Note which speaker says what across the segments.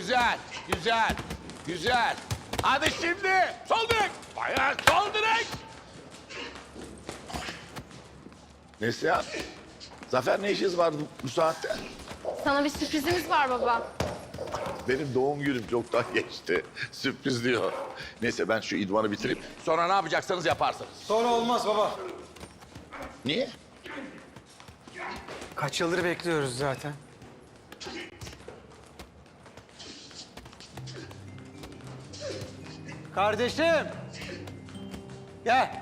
Speaker 1: Güzel, güzel, güzel. Hadi şimdi. Sol direk. Bayağı sol direk.
Speaker 2: Neslihan, Zafer ne işiniz vardı bu saatte?
Speaker 3: Sana bir sürprizimiz var baba.
Speaker 2: Benim doğum günüm çoktan geçti. Sürpriz diyor. Neyse ben şu idmanı bitireyim.
Speaker 1: Sonra ne yapacaksanız yaparsınız.
Speaker 4: Sonra olmaz baba.
Speaker 2: Niye?
Speaker 4: Kaç yıldır bekliyoruz zaten. Kardeşim. Gel.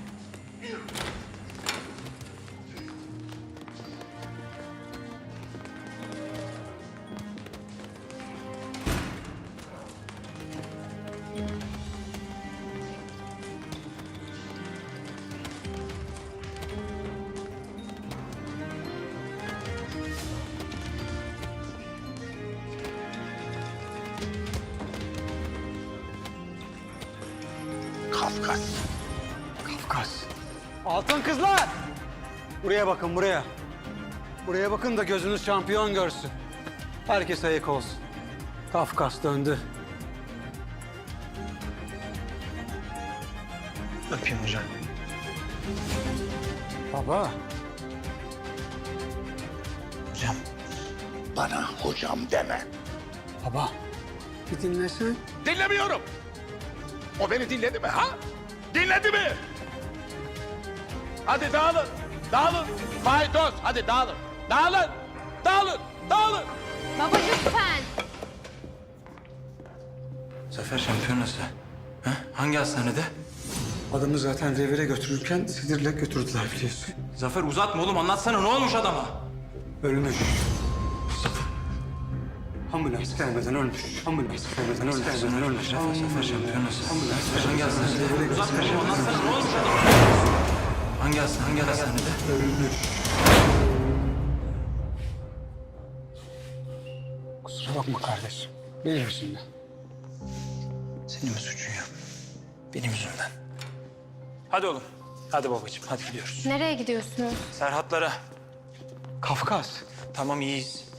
Speaker 2: Kafkas.
Speaker 4: Kafkas. Altın kızlar. Buraya bakın buraya. Buraya bakın da gözünüz şampiyon görsün. Herkes ayık olsun. Kafkas döndü.
Speaker 5: Öpeyim hocam.
Speaker 4: Baba.
Speaker 5: Hocam.
Speaker 2: Bana hocam deme.
Speaker 4: Baba. Bir dinlesen.
Speaker 1: Dinlemiyorum. O beni dinledi mi ha? Dinledi mi? Hadi dağılın. Dağılın. Faydos. Hadi dağılın. Dağılın. Dağılın. Dağılın.
Speaker 3: Baba lütfen.
Speaker 5: Zafer şampiyonası. Ha? Hangi hastanede?
Speaker 4: Adamı zaten revire götürürken sinirle götürdüler biliyorsun.
Speaker 5: Zafer uzatma oğlum, anlatsana ne olmuş adama?
Speaker 4: Ölmüş. Ambulans gelmeden ölmüş. Ambulans gelmeden ölmüş.
Speaker 5: Zafer şampiyonası.
Speaker 4: Ambulans
Speaker 5: Hangi hastanede? Uzatma oğlum, anlatsana ne olmuş adama? Hangi hastanede?
Speaker 4: ölmüş. Kusura bakma kardeşim. Benim yüzümden.
Speaker 5: Senin mi suçun ya? Benim yüzümden. Hadi oğlum. Hadi babacığım, hadi gidiyoruz.
Speaker 3: Nereye gidiyorsunuz?
Speaker 5: Serhatlara.
Speaker 4: Kafkas.
Speaker 5: Tamam iyiyiz.